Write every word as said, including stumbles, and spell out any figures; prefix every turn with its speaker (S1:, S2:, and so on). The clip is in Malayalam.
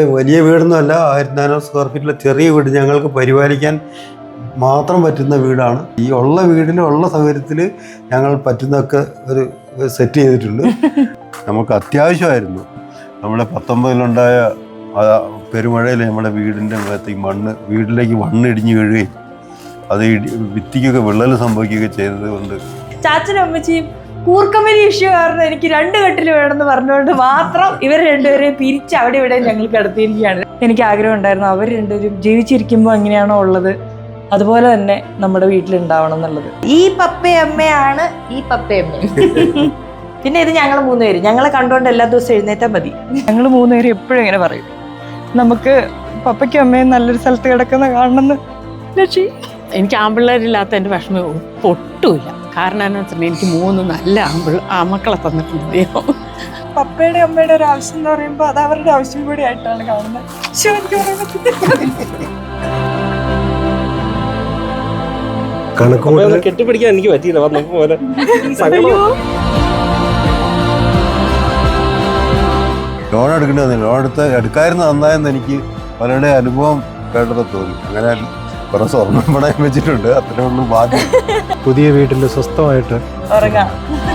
S1: വലിയ വീടൊന്നുമല്ല, ആയിരത്തി നാനൂറ് സ്ക്വയർ ഫീറ്റിലെ ചെറിയ വീട് ഞങ്ങൾക്ക് പരിപാലിക്കാൻ മാത്രം പറ്റുന്ന വീടാണ്. ഈ ഉള്ള വീടിൽ ഉള്ള സൗകര്യത്തിൽ ഞങ്ങൾ പറ്റുന്നതൊക്കെ ഒരു സെറ്റ് ചെയ്തിട്ടുണ്ട്. നമുക്ക് അത്യാവശ്യമായിരുന്നു. നമ്മുടെ പത്തൊമ്പതിലുണ്ടായ പെരുമഴയിൽ നമ്മുടെ വീടിൻ്റെ മുഖത്തേക്ക് മണ്ണ് വീട്ടിലേക്ക് മണ്ണിടിഞ്ഞ് വീഴുകയും അത് ഭിത്തിക്കൊക്കെ വിള്ളൽ സംഭവിക്കുകയൊക്കെ ചെയ്തത് കൊണ്ട്
S2: ചാച്ചനും അമ്മച്ചിയും കൂർക്കമ്പനി ഇഷ്യൂ കാരണം എനിക്ക് രണ്ട് കെട്ടിൽ വേണമെന്ന് പറഞ്ഞുകൊണ്ട് മാത്രം ഇവർ രണ്ടുപേരെയും പിരിച്ച് അവിടെ ഇവിടെ ഞങ്ങൾ കിടത്തിയിരിക്കുകയാണ്. എനിക്ക് ആഗ്രഹം ഉണ്ടായിരുന്നു അവർ രണ്ടുപേരും ജീവിച്ചിരിക്കുമ്പോൾ എങ്ങനെയാണോ ഉള്ളത് അതുപോലെ തന്നെ നമ്മുടെ വീട്ടിലുണ്ടാവണം എന്നുള്ളത്. ഈ പപ്പയമ്മയാണ് ഈ പപ്പയമ്മ. പിന്നെ ഇത് ഞങ്ങൾ മൂന്നുപേര് ഞങ്ങളെ കണ്ടുകൊണ്ട് എല്ലാ ദിവസവും എഴുന്നേറ്റാൽ മതി. ഞങ്ങൾ മൂന്നുപേരും എപ്പോഴും ഇങ്ങനെ പറയും, നമുക്ക് പപ്പയ്ക്കും അമ്മയും നല്ലൊരു സ്ഥലത്ത് കിടക്കുന്ന കാണണമെന്ന്. ലക്ഷ്മി,
S3: എനിക്ക് ആമ്പിള്ളേരില്ലാത്ത എൻ്റെ വിഷമം ഒട്ടുമില്ല. കാരണം എന്താ വെച്ചിട്ടുണ്ടെങ്കിൽ എനിക്ക് മൂന്ന് നല്ല ആമ്പിള്ള ആമക്കളെ തന്നിട്ടുണ്ട് ദൈവം.
S2: പപ്പയുടെ അമ്മയുടെ ഒരു ആവശ്യം എന്ന് പറയുമ്പോൾ അത് അവരുടെ ആവശ്യം കൂടി ആയിട്ടാണ് കാണുന്നത്.
S4: കണക്ക് കെട്ടിപ്പിടിക്കാൻ എനിക്ക് പറ്റിയില്ല. വന്നപ്പോ പോലെ
S1: ലോൺ എടുക്കേണ്ടി ലോൺ എടുത്ത് എടുക്കാതിരുന്ന നന്നായെന്ന് എനിക്ക് പലരുടെ അനുഭവം കേട്ടപ്പോൾ തോന്നി. അങ്ങനെ കുറെ സ്വർണ്ണം പണയം വെച്ചിട്ടുണ്ട്. അത്രേ ഉള്ളൂ ബാക്കി.
S5: പുതിയ വീട്ടിൽ സ്വസ്ഥമായിട്ട്
S2: ഉറങ്ങാം.